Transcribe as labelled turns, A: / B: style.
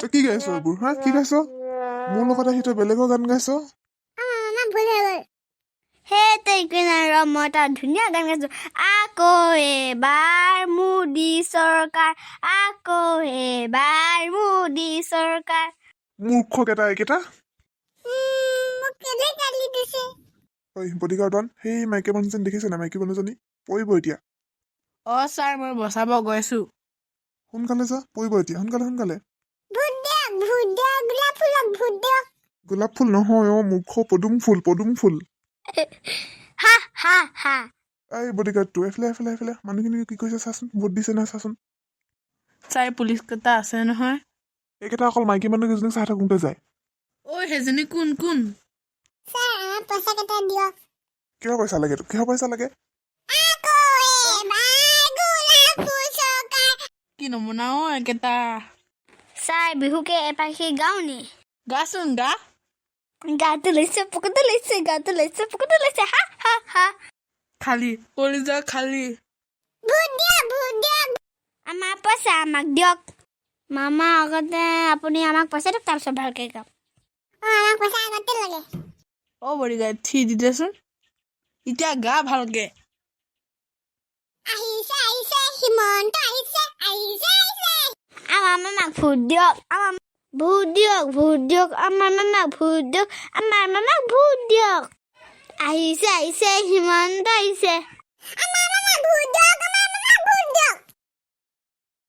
A: তই কি গাইছ এইবোৰ হা কি গাইছ মোৰ লগত আহি তই বেলেগৰ গান গাইছ
B: সেইটো একো নাই ৰ মই এটা ধুনীয়া গান গাইছোঁ আকৌ এবাৰ মোদী চৰকাৰ আকৌ এবাৰ মোদী চৰকাৰ
A: মূৰ্খ কেইটা এইকেইটা ঐ বডিগাৰ্ডন সেই মাইকী মানুহজনী দেখিছে নাই মাইকী মানুহজনী পৰিব এতিয়া
C: ছাৰ মই বচাব গৈছোঁ
A: সোনকালে যা পৰিব এতিয়া সোনকালে গোলাপ ফুল নহয় মূৰ্খ পদুম ফুল
B: হা হা হা
A: এই বডিগাৰ্ডটো এফালে মানুহখিনি কি কৈছে চাচোন ভোট দিছে নাই চাচোন
C: ছাৰ পুলিচ কেইটা আছে নহয়
A: এইকেইটা অকল মাইকী মানুহ কেইজনীক চাই থাকোঁতে যায়
C: সেইজনী কোন
A: কিহৰ পইচা লাগে তোক কিহৰ পইচা লাগে
C: কি নমুনা একেটা
B: ছাৰ বিহুকে এপাখি গাওঁ নি
C: গাচোন গা
B: গাটো লৈছে পকেটটো লৈছে হা হা হা
C: খালী কলিজা খালী
B: আমাৰ পইচা আমাক দিয়ক মামা আগতে আপুনি আমাক পইচা দিয়ক তাৰপিছত ভালকৈ গাম
C: বডিগাৰ্ড থি দি দেচোন এতিয়া গা ভালকে
B: আমাৰ মামাক ভোট দিয়ক ভোট দিয়ক আমাৰ মামাক ভোট দিয়ক আহিছে হিমন্ত আহিছে